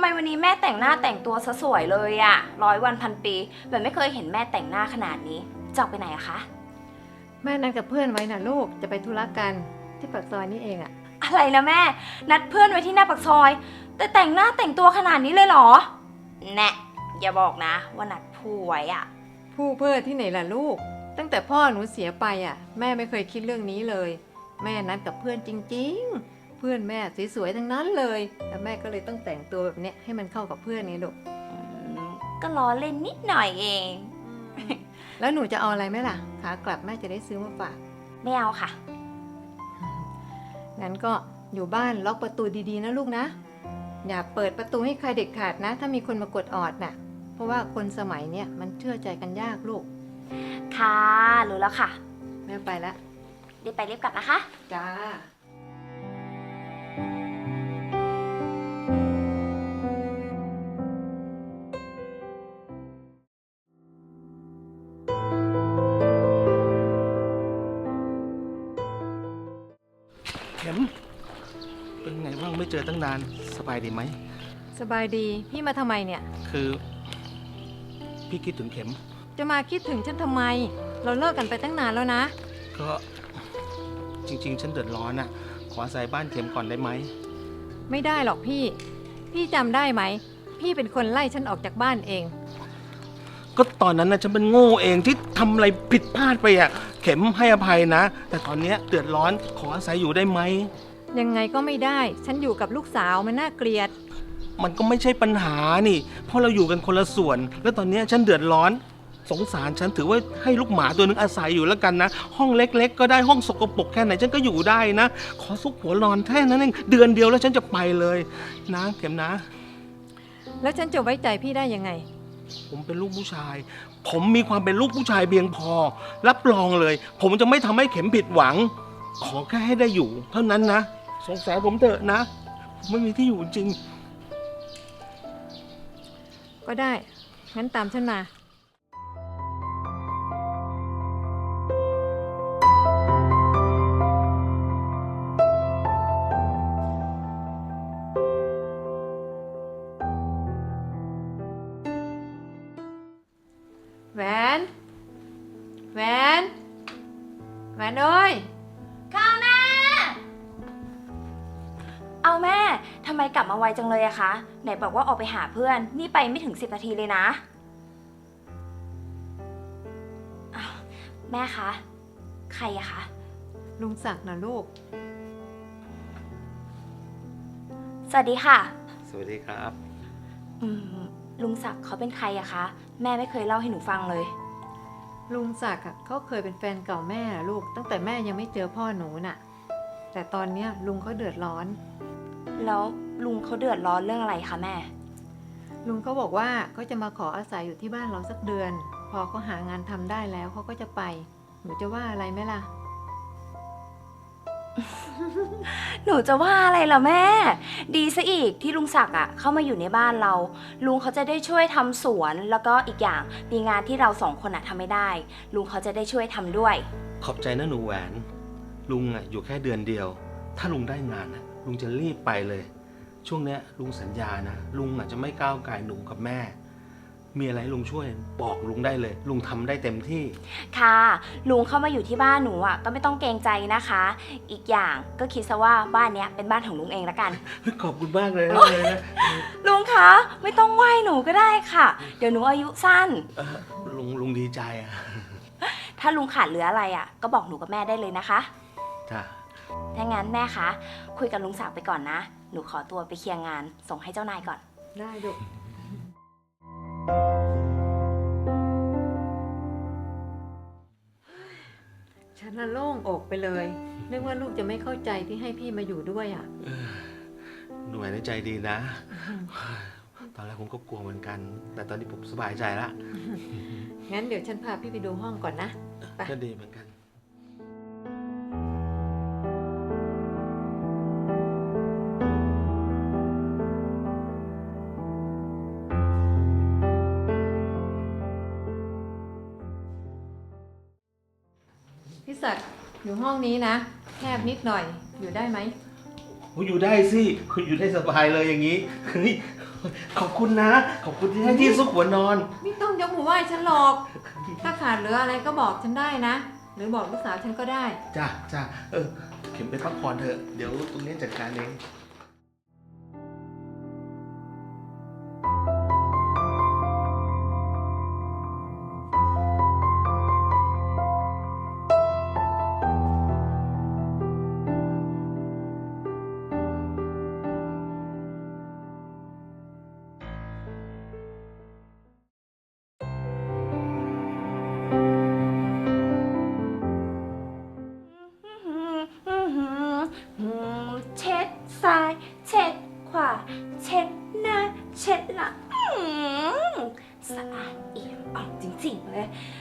ไมวันนี้แม่แต่งหน้าแต่งตัวซะสวยเลยอะ100 วันพันปีแบบไม่เคยเห็นแม่แต่งหน้าขนาดนี้จะออกไปไหนอะคะแม่นัดกับเพื่อนไว้นะลูกจะไปธุระกันที่ปากซอยนี่เองอะอะไรนะแม่นัดเพื่อนไว้ที่หน้าปากซอยแต่แต่งหน้าแต่งตัวขนาดนี้เลยเหรอแน่อย่าบอกนะว่านัดผู้ไว้อะผู้เพื่อที่ไหนล่ะลูกตั้งแต่พ่อหนูเสียไปอะแม่ไม่เคยคิดเรื่องนี้เลยแม่นัดกับเพื่อนจริงๆเพื่อนแม่สวยๆทั้งนั้นเลยแล้วแม่ก็เลยต้องแต่งตัวแบบเนี้ยให้มันเข้ากับเพื่อนนี่ลูกก็ล้อเล่นนิดหน่อยเองแล้วหนูจะเอาอะไรไหมล่ะขากลับแม่จะได้ซื้อมาฝากไม่เอาค่ะงั้นก็อยู่บ้านล็อกประตูดีๆนะลูกนะอย่าเปิดประตูให้ใครเด็ดขาดนะ ถ้ามีคนมากดออดน่ะเพราะว่าคนสมัยเนี้ยมันเชื่อใจกันยากลูกค่ะรู้แล้วค่ะแม่ไปแล้วรีบไปรีบกลับนะคะจ้าเข็มเป็นไงบ้างไม่เจอตั้งนานสบายดีไหมสบายดีพี่มาทำไมเนี่ยคือพี่คิดถึงเข็มจะมาคิดถึงฉันทำไม เราเลิกกันไปตั้งนานแล้วนะก็จริงๆ ฉันเดือดร้อนอ่ะขออาศัยบ้านเข็มก่อนได้ไหมไม่ได้หรอกพี่ พี่จำได้ไหม พี่เป็นคนไล่ฉันออกจากบ้านเองก็ตอนนั้นนะฉันเป็นโง่เองที่ทำอะไรผิดพลาดไปอ่ะเข็มให้อภัยนะ แต่ตอนเนี้ยเดือดร้อนขออาศัยอยู่ได้ไหมยังไงก็ไม่ได้ ฉันอยู่กับลูกสาวมันน่าเกลียดมันก็ไม่ใช่ปัญหานี่เพราะเราอยู่กันคนละส่วน แล้วตอนเนี้ยฉันเดือดร้อนสงสารฉันถือว่าให้ลูกหมาตัวนึงอาศัยอยู่แล้วกันนะห้องเล็กๆ ก็ได้ห้องสกปรกแค่ไหนฉันก็อยู่ได้นะ ขอซุกหัวนอนแค่นั้นเองเดือนเดียวแล้วฉันจะไปเลยนะเข็มนะแล้วฉันจะไว้ใจพี่ได้ยังไงผมเป็นลูกผู้ชาย ผมมีความเป็นลูกผู้ชายเพียงพอ รับรองเลย ผมจะไม่ทำให้เข็มผิดหวัง ขอแค่ให้ได้อยู่ เท่านั้นนะสงสารผมเถอะนะผมไม่มีที่อยู่จริงก็ได้ งั้นตามฉันมา แหวนแหวนแหวนเอ้ยค่ะแม่ เอาแม่ทำไมกลับมาไวจังเลยอะคะ ไหนบอกว่าออกไปหาเพื่อน นี่ไปไม่ถึง10 นาทีเลยนะอ้าวแม่คะ ใครอะคะลุงศักดิ์นะลูกสวัสดีค่ะสวัสดีครับอืมลุงศักดิ์เขาเป็นใครอะคะ แม่ไม่เคยเล่าให้หนูฟังเลยลุงศักดิ์อะเขาเคยเป็นแฟนเก่าแม่อะลูก ตั้งแต่แม่ยังไม่เจอพ่อหนูน่ะ แต่ตอนเนี้ยลุงเขาเดือดร้อนแล้วลุงเขาเดือดร้อนเรื่องอะไรคะแม่ลุงเขาบอกว่าเขาจะมาขออาศัยอยู่ที่บ้านเราสักเดือน พอเขาหางานทำได้แล้วเขาก็จะไป หนูจะว่าอะไรไหมล่ะหนูจะว่าอะไรล่ะแม่ ดีซะอีกที่ลุงศักดิ์อะเข้ามาอยู่ในบ้านเรา ลุงเขาจะได้ช่วยทำสวน แล้วก็อีกอย่างมีงานที่เราสองคนอะทำไม่ได้ ลุงเขาจะได้ช่วยทำด้วยขอบใจนะหนูแหวน ลุงอ่ะอยู่แค่เดือนเดียว ถ้าลุงได้งานนะลุงจะรีบไปเลย ช่วงเนี้ยลุงสัญญานะลุงอ่ะจะไม่ก้าวไก่หนูกับแม่ มีอะไรให้ลุงช่วยบอกลุงได้เลย ลุงทำได้เต็มที่ค่ะ ลุงเข้ามาอยู่ที่บ้านหนูอะก็ไม่ต้องเกรงใจนะคะ อีกอย่างก็คิดซะว่าบ้านเนี้ยเป็นบ้านของลุงเองละกันขอบคุณมากเลยนะลุงคะไม่ต้องไหว้หนูก็ได้ค่ะ เดี๋ยวหนูอายุสั้นลุงดีใจอ่ะถ้าลุงขาดเหลืออะไรอะก็บอกหนูกับแม่ได้เลยนะคะจ้ะถ้างั้นแม่คะคุยกับลุงศักดิ์ไปก่อนนะ หนูขอตัวไปเคลียร์งานส่งให้เจ้านายก่อนได้ลูก ฉันน่ะโล่งอกไปเลยนึกว่าลูกจะไม่เข้าใจที่ให้พี่มาอยู่ด้วยอ่ะหนูแหวนใจดีนะ ตอนแรกผมก็กลัวเหมือนกัน แต่ตอนนี้ผมสบายใจละงั้นเดี๋ยวฉันพาพี่ไปดูห้องก่อนนะ ไปก็ดีเหมือนกันพี่ศักดิ์อยู่ห้องนี้นะ แคบนิดหน่อย อยู่ได้ไหมอยู่ได้สิคุณอยู่ได้สบายเลยอย่างนี้เฮ้ยขอบคุณนะ ขอบคุณที่ให้ที่ซุกหัวนอนไม่ต้องยกมือไหว้ฉันหรอก ถ้าขาดเหลืออะไรก็บอกฉันได้นะ หรือบอกลูกสาวฉันก็ได้จ้าจ้าเข็มไปพักผ่อนเถอะ เดี๋ยวตรงนี้จัดการเองเช็ดซ้าย เช็ดขวา เช็ดหน้า เช็ดหลังสะอาดเอี่ยมอ่องจริงๆเลย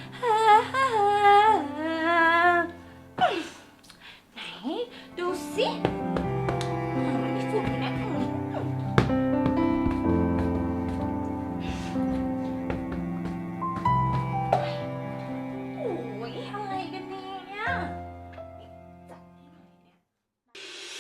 ไหน ดูสิมีฝุ่นอยู่นะโอ้ยอะไรกันเนี่ย จัดให้หน่อยเนี่ย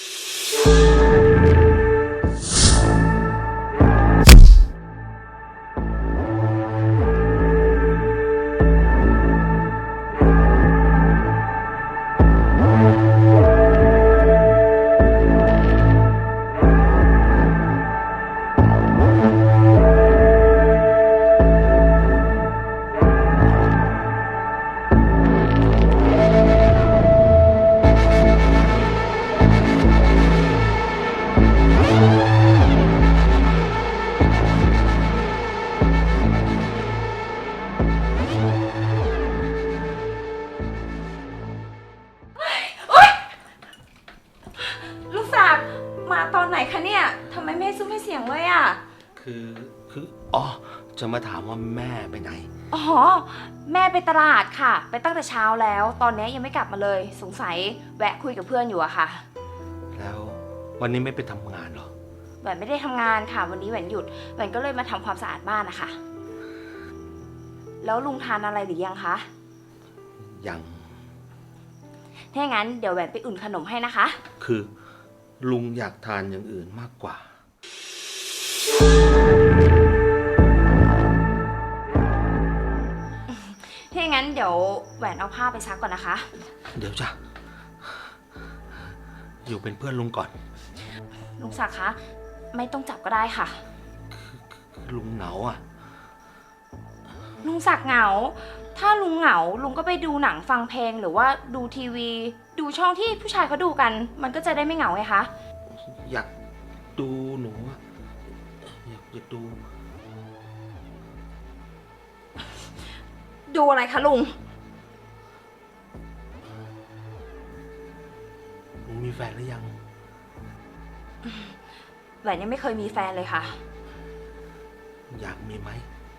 ลูกศักดิ์มาตอนไหนคะเนี่ย ทำไมไม่ให้ซุ้มให้เสียงเลยอ่ะอ๋อ จะมาถามว่าแม่ไปไหนอ๋อ แม่ไปตลาดค่ะ ไปตั้งแต่เช้าแล้ว ตอนนี้ยังไม่กลับมาเลย สงสัยแวะคุยกับเพื่อนอยู่อะค่ะแล้ววันนี้ไม่ไปทำงานเหรอแหวนไม่ได้ทำงานค่ะ วันนี้แหวนหยุด แหวนก็เลยมาทำความสะอาดบ้านนะคะ แล้วลุงทานอะไรหรือยังคะยังถ้าอย่างนั้นเดี๋ยวแหวนไปอุ่นขนมให้นะคะคือลุงอยากทานอย่างอื่นมากกว่าถ้าอย่างนั้นเดี๋ยวแหวนเอาผ้าไปซักก่อนนะคะเดี๋ยวจ้ะ อยู่เป็นเพื่อนลุงก่อนลุงศักดิ์คะ ไม่ต้องจับก็ได้ค่ะลุงเหงาอ่ะลุงศักดิ์เหงา ถ้าลุงเหงา ลุงก็ไปดูหนังฟังเพลงหรือว่าดูทีวี ดูช่องที่ผู้ชายเขาดูกัน มันก็จะได้ไม่เหงาไงคะอยากดูหนูอะอยากดูดูอะไรคะลุงหนูมีแฟนหรือยังแหวนยังไม่เคยมีแฟนเลยค่ะอยากมีไหม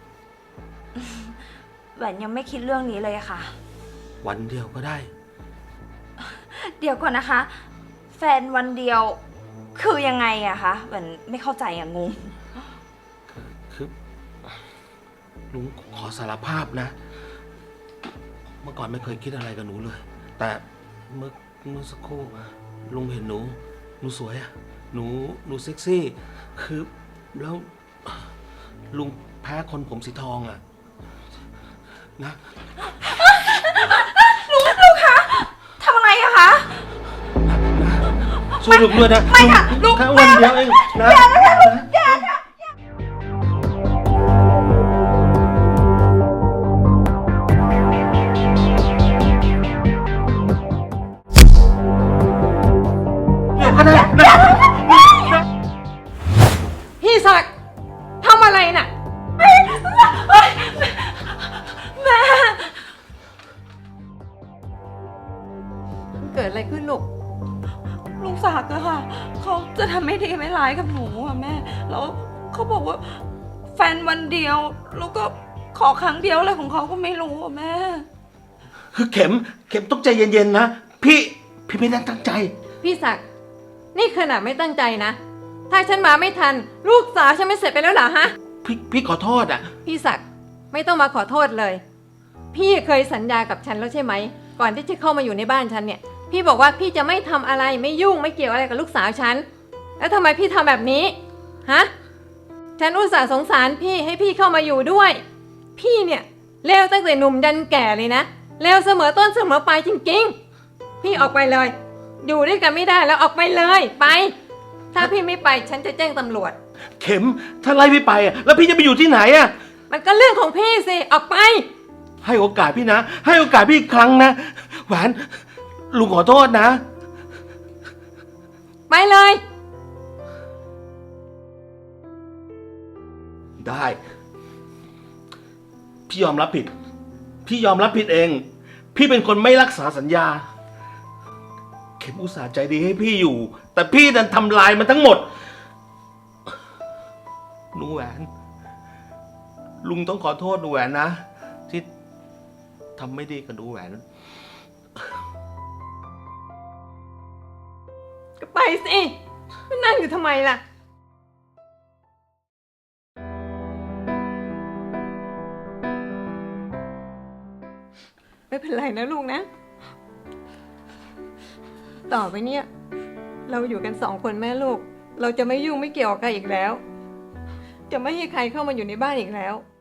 แหวนยังไม่คิดเรื่องนี้เลยค่ะวันเดียวก็ได้เดี๋ยวก่อนนะคะ แฟนวันเดียวคือยังไงอะคะแหวนไม่เข้าใจอะงงคือลุงขอสารภาพนะ เมื่อก่อนไม่เคยคิดอะไรกับหนูเลย แต่เมื่อสักครู่ลุงเห็นหนูสวยอะหนูเซ็กซี่ คือแล้วลุงแพ้คนผมสีทองอะนะลุงคะทำอะไรอะคะช่วยลุงด้วยนะไม่ค่ะลุงแค่วันเดียวเองนะพี่ศักดิ์ทำอะไรน่ะแม่มันเกิดอะไรขึ้นลูกลุงศักดิ์อะค่ะเขาจะทำไม่ดีไม่ร้ายกับหนูอะแม่ แล้วเขาบอกว่าแฟนวันเดียว แล้วก็ขอครั้งเดียวอะไรของเขาก็ไม่รู้อะแม่คือเข็มต้องใจเย็นๆนะ พี่ไม่ได้ตั้งใจพี่ศักดิ์นี่ขนาดไม่ตั้งใจนะ ถ้าฉันมาไม่ทัน ลูกสาวฉันไม่เสร็จไปแล้วเหรอฮะพี่ขอโทษอ่ะพี่ศักดิ์ไม่ต้องมาขอโทษเลย พี่เคยสัญญากับฉันแล้วใช่ไหม ก่อนที่จะเข้ามาอยู่ในบ้านฉันเนี่ย พี่บอกว่าพี่จะไม่ทำอะไรไม่ยุ่งไม่เกี่ยวอะไรกับลูกสาวฉัน แล้วทำไมพี่ทำแบบนี้ ฮะฉันอุตส่าห์สงสารพี่ให้พี่เข้ามาอยู่ด้วย พี่เนี่ยเลวตั้งแต่หนุ่มยันแก่เลยนะเลวเสมอต้นเสมอปลายจริงๆพี่ออกไปเลย อยู่ด้วยกันไม่ได้แล้วออกไปเลยไป ถ้าพี่ไม่ไปฉันจะแจ้งตำรวจเข็มถ้าไล่พี่ไปอ่ะแล้วพี่จะไปอยู่ที่ไหนอ่ะมันก็เรื่องของพี่สิออกไปให้โอกาสพี่นะ ให้โอกาสพี่อีกครั้งนะแหวนลุงขอโทษนะไปเลยได้ พี่ยอมรับผิด พี่ยอมรับผิดเอง พี่เป็นคนไม่รักษาสัญญา เข็มอุตส่าห์ใจดีให้พี่อยู่ แต่พี่ดันทำลายมันทั้งหมดหนูแหวน ลุงต้องขอโทษหนูแหวนนะ ที่ทำไม่ดีกับหนูแหวนก็ไปสิมานั่งอยู่ทำไมล่ะไม่เป็นไรนะลูกนะ ต่อไปเนี่ยเราอยู่กัน2 คนแม่ลูก เราจะไม่ยุ่งไม่เกี่ยวกับใครอีกแล้ว จะไม่ให้ใครเข้ามาอยู่ในบ้านอีกแล้ว